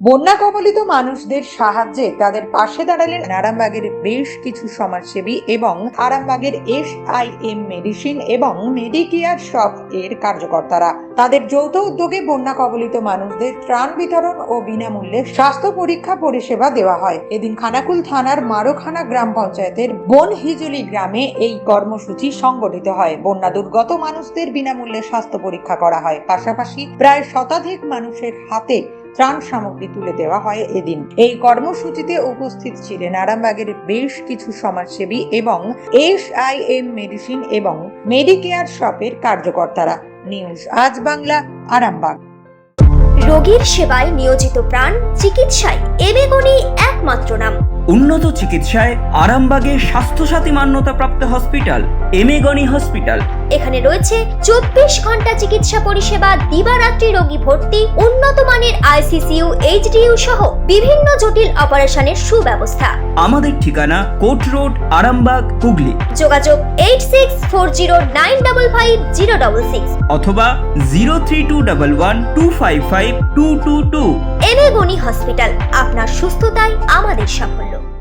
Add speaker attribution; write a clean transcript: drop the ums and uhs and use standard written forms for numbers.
Speaker 1: বন্যা কবলিত মানুষদের সাহায্যে তাদের পাশে দাঁড়ালেন আরামবাগের বেশ কিছু সমাজসেবী এবং আরামবাগের SIM মেডিসিন এবং মেডিকেয়ার শপ এর কার্যকর্তারা। তাদের যৌথ উদ্যোগে বন্যা কবলিত মানুষদের ত্রাণ বিতরণ ও বিনামূল্যে স্বাস্থ্য পরীক্ষা পরিষেবা দেওয়া হয়। এদিন খানাকুল থানার মারোখানা গ্রাম পঞ্চায়েতের বনহিজুলি গ্রামে এই কর্মসূচি সংগঠিত হয়। বন্যা দুর্গত মানুষদের বিনামূল্যে স্বাস্থ্য পরীক্ষা করা হয়। পাশাপাশি প্রায় শতাধিক মানুষের হাতে ত্রাণ সামগ্রী তুলে দেওয়া হয়। এদিন এই কর্মসূচিতে উপস্থিত ছিলেন আরামবাগের বেশ কিছু সমাজসেবী এবং SIM মেডিসিন এবং মেডিকেয়ার শপের কার্যকর্তারা। নিউজ আজ বাংলা, আরামবাগ।
Speaker 2: রোগীর সেবায় নিয়োজিত প্রাণ, চিকিৎসায় এবেগুনি একমাত্র নাম।
Speaker 3: উন্নত চিকিৎসায় আরামবাগে স্বাস্থ্যসাথী মান্যতাপ্রাপ্ত হসপিটাল এমেগনি হসপিটাল।
Speaker 2: এখানে রয়েছে 24 ঘন্টা চিকিৎসা পরিষেবা, দিবারাত্রি রোগী ভর্তি, উন্নত মানের ICCU, HDU সহ বিভিন্ন জটিল অপারেশনের সুব্যবস্থা।
Speaker 3: আমাদের ঠিকানা কোট রোড, আরামবাগ, হুগলি।
Speaker 2: যোগাযোগ 8640955066
Speaker 3: অথবা 032112552222।
Speaker 2: এবেগুনি হসপিটাল, আপনার সুস্থতাই আমাদের সাফল্য।